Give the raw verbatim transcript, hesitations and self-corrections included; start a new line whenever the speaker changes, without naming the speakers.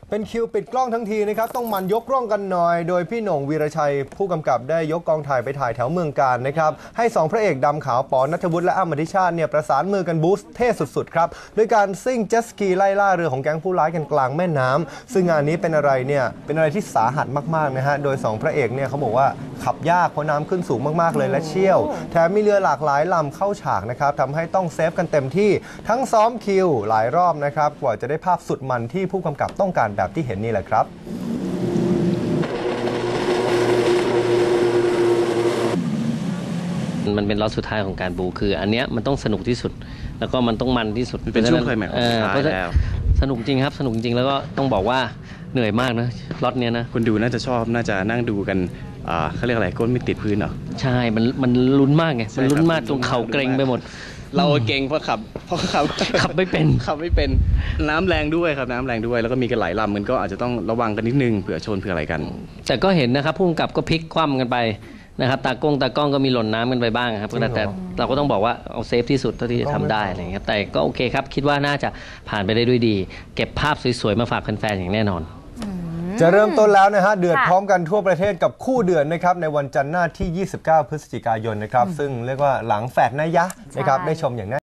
เป็นคิวปิดกล้องทั้งทีนะครับต้องมันยกกล้องกันหน่อยโดยพี่หน่งวีรชัยผู้กำกับได้ยกกองถ่ายไปถ่ายแถวเมืองกาญนะครับให้สองพระเอกดำขาวปอณัฐวุฒิและอ้ำอธิชาติเนี่ยประสานมือกันบูสต์เท่สุดๆครับด้วยการซิ่งเจ็ตสกีไล่ล่าเรือของแก๊งผู้ร้ายกันกลางแม่น้ำซึ่งงานนี้เป็นอะไรเนี่ยเป็นอะไรที่สาหัสมากๆนะฮะโดยสองพระเอกเนี่ยเขาบอกว่าขับยากเพราะน้ำขึ้นสูงมากๆเลยและเชี่ยวแถมมีเรือหลากหลายลำเข้าฉากนะครับทำให้ต้องเซฟกันเต็มที่ทั้งซ้อมคิวหลายรอบนะครับกว่าจะได้ภาพสุดมันที่ผู้กำกับต้องการแบบที่เห็นนี่แหละครับ
มันเป็นล็อตสุดท้ายของการบูคืออันเนี้ยมันต้องสนุกที่สุดแล้วก็มันต้องมันที่สุด
เป็นช่วงเคยแม็กซ์สุดท้ายแล้ว
สนุกจริงครับสนุกจริงแล้วก็ต้องบอกว่าเหนื่อยมากนะล็อตเนี้ยนะ
คนดูน่าจะชอบน่าจะนั่งดูกันเขาเรียกอะไรก้นไม่ติดพื้นเหรอ
ใช่มันมันลุ้นมากไงมันลุ้นมากจนเข่าเกร็งไปหมด
เราเก่งเพราะขับเพราะขับ
ขับไม่เป็น
ขับไม่เป็นน้ำแรงด้วยครับน้ำแรงด้วยแล้วก็มีกันหลายลำมันก็อาจจะต้องระวังกันนิดนึงเผื่อชนเผื่ออะไรกัน
แต่ก็เห็นนะครับผู้กำกับก็พลิกคว่ำกันไปนะครับตากล้องตากล้องก็มีหล่นน้ำกันไปบ้างครับแต่เราก็ต้องบอกว่าเอาเซฟที่สุดเท่าที่จะทำได้อะไรอย่างเงี้ยแต่ก็โอเคครับคิดว่าน่าจะผ่านไปได้ด้วยดีเก็บภาพสวยๆมาฝากแฟนๆอย่างแน่นอน
จะเริ่มต้นแล้วนะฮะเดือดพร้อมกันทั่วประเทศกับคู่เดือดนะครับในวันจันทร์หน้าที่ยี่สิบเก้าพฤศจิกายนนะครับซึ่งเรียกว่าหลังแฟดนะยะนะครับได้ชมอย่างแน่